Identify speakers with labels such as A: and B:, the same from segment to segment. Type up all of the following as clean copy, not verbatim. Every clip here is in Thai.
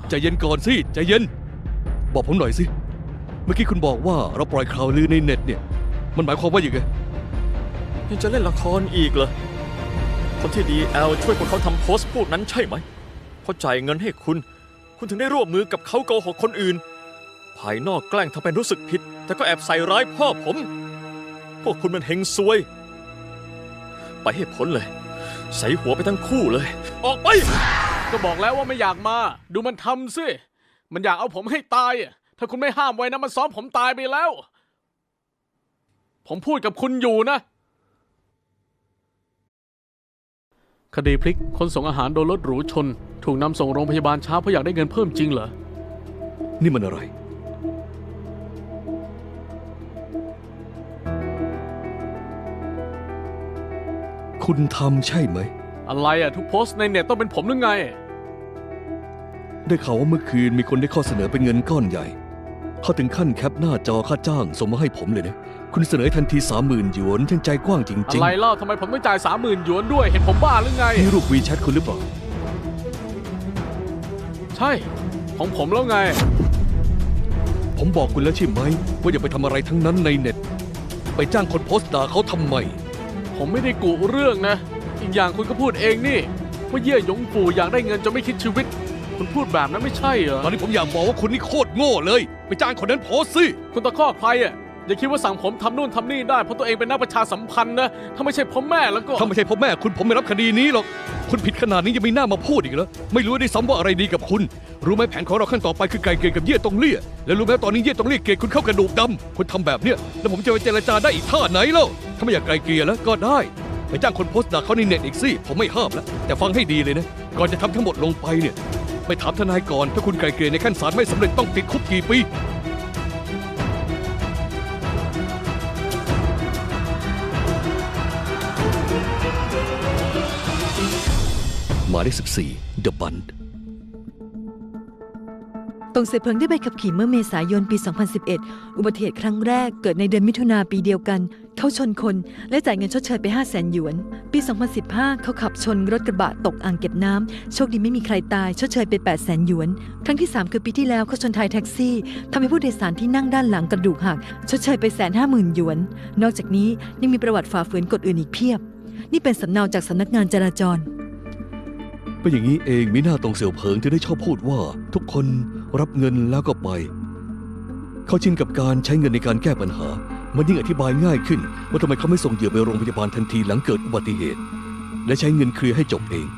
A: ใจเย็นก่อนสิใจเย็นบอกผมหน่อยสิเมื่อกี้คุณบอกว่าเราปล่อยข่าวลือในเน็ตเนี่ยมันหมายความว่าอย่างไง
B: ยังจะเล่นละครอีกเหรอคนที่DLช่วยพวกเขาทำโพสต์พวกนั้นใช่ไหมเขาจ่ายเงินให้คุณถึงได้ร่วมมือกับเขาโกหกคนอื่นภายนอกแกล้งทำเป็นรู้สึกผิดแต่ก็แอบใส่ร้ายพ่อผมพวกคุณมันเฮงซวยไปให้พ้นเลยใส่หัวไปทั้งคู่เลยออกไป
C: ก็บอกแล้วว่าไม่อยากมาดูมันทำสิมันอยากเอาผมให้ตายถ้าคุณไม่ห้ามไว้นะมันซ้อมผมตายไปแล้วผมพูดกับคุณอยู่นะคดีพลิกคนส่งอาหารโดนรถหรูชนถูกนำส่งโรงพยาบาลช้าเพราะอยากได้เงินเพิ่มจริงเหรอ
A: นี่มันอะไรคุณทำใช่ไหม
C: อะไรทุกโพสต์ในเน็ตต้องเป็นผมหรือไง
A: ได้ข่าวว่าเมื่อคืนมีคนได้ข้อเสนอเป็นเงินก้อนใหญ่เขาถึงขั้นแคปหน้าจอค่าจ้างส่งมาให้ผมเลยนะคุณเสนอทันที 30,000 หยวนทั้งใจกว้างจริงๆ
C: อะไรเล่าทำไมผมต้องจ่าย 30,000 หยวนด้วยเห็นผมบ้าหรือไง
A: นี่รูปวีแชทคุณหรือเปล่า
C: ใช่ของผมแล้วไง
A: ผมบอกคุณแล้วใช่ไหมว่าอย่าไปทำอะไรทั้งนั้นในเน็ตไปจ้างคนโพสต์ด่าเขาทำไม
C: ผมไม่ได้กุเรื่องนะอีกอย่างคุณก็พูดเองนี่ว่าเย่หยงปู่อยากได้เงินจนไม่คิดชีวิตคุณพูดแบบนั้นไม่ใช่เหรอ
A: ตอนนี้ผมอยากบอกว่าคุณนี่โคตรโง่เลยไปจ้างคนนั้นโพสต์สิ
C: คุณตะคอกใครอย่าคิดว่าสั่งผมทำนู่นทำนี่ได้เพราะตัวเองเป็นนักประชาสัมพันธ์นะถ้าไม่ใช่พ่อแม่แล้วก็
A: ถ้าไม่ใช่พ่อแม่คุณผมไม่รับคดีนี้หรอกคุณผิดขนาดนี้ยังมีหน้ามาพูดอีกเหรอไม่รู้ได้ซ้ำว่าอะไรดีกับคุณรู้ไหมแผนของเราขั้นต่อไปคือไกลเกลี่ยกับเย่ตงเลี่ยแล้วรู้ไหมตอนนี้เย่ตงเลี่ยเกลียดคุณเข้ากระดูกดำคุณทำแบบเนี้ยแล้วผมจะไปเจรจาได้อีกท่าไหนเล่าถ้าไม่อยากไกลเกลี่ยแล้วก็ได้ไปจ้างคนโพสต์ด่าเขาในเน็ตอีกสิผมไม่ห้ามแล้วแต่ฟังให้ดีเลยนะก่อนจะทำทั้งหมดลงไปเนี่ยไปถามทนายก่อนถ้าคุณไกลเกลี่ยในขั้นศาลไม่สำเร็จต้องติดคุกกี่ปีหมายเลข14 The Bund
D: ตงเสเพิงได้ใบขับขี่เมื่อเมษายนปี 2011 อุบัติเหตุครั้งแรกเกิดในเดือนมิถุนาปีเดียวกันเขาชนคนและจ่ายเงินชดเชยไป 500,000 หยวนปี 2015 เขาขับชนรถกระบะตกอ่างเก็บน้ำโชคดีไม่มีใครตายชดเชยไป 800,000 หยวนครั้งที่ 3 คือปีที่แล้วเขาชนท้ายแท็กซี่ทำให้ผู้โดยสารที่นั่งด้านหลังกระดูกหักชดเชยไป 150,000 หยวนนอกจากนี้ยังมีประวัติฝ่าฝืนกฎอื่นอีกเพียบนี่เป็นสำเนาจากสำนักงานจราจร
A: เป็นอย่างนี้เองมีหน้าตรงเสี่ยวเผิงที่ได้ชอบพูดว่าทุกคนรับเงินแล้วก็ไปเขาชินกับการใช้เงินในการแก้ปัญหามันยิ่งอธิบายง่ายขึ้นว่าทำไมเขาไม่ส่งเหยื่อไปโรงพยาบาลทันทีหลังเกิดอุบัติเหตุและใช้เงินเคลียร์ให้จบเอง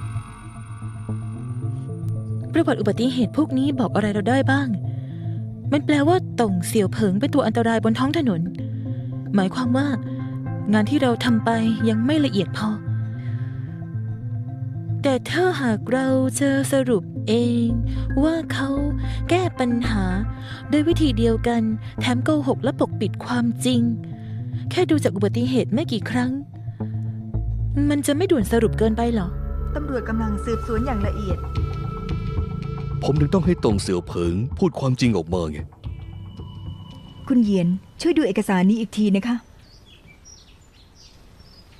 E: ประวัติอุบัติเหตุพวกนี้บอกอะไรเราได้บ้างมันแปลว่าตงเสี่ยวเผิงเป็นตัวอันตรายบนท้องถนนหมายความว่างานที่เราทำไปยังไม่ละเอียดพอแต่ถ้าหากเราจะสรุปเองว่าเขาแก้ปัญหาโดยวิธีเดียวกันแถมโกหกและปกปิดความจริงแค่ดูจากอุบัติเหตุไม่กี่ครั้งมันจะไม่ด่วนสรุปเกินไปหรอ
D: ตำรวจกำลังสืบสวนอย่างละเอียด
A: ผมถึงต้องให้ตงเสี่ยวเผิงพูดความจริงออกมาไง
D: คุณเหยียนช่วยดูเอกสารนี้อีกทีนะคะ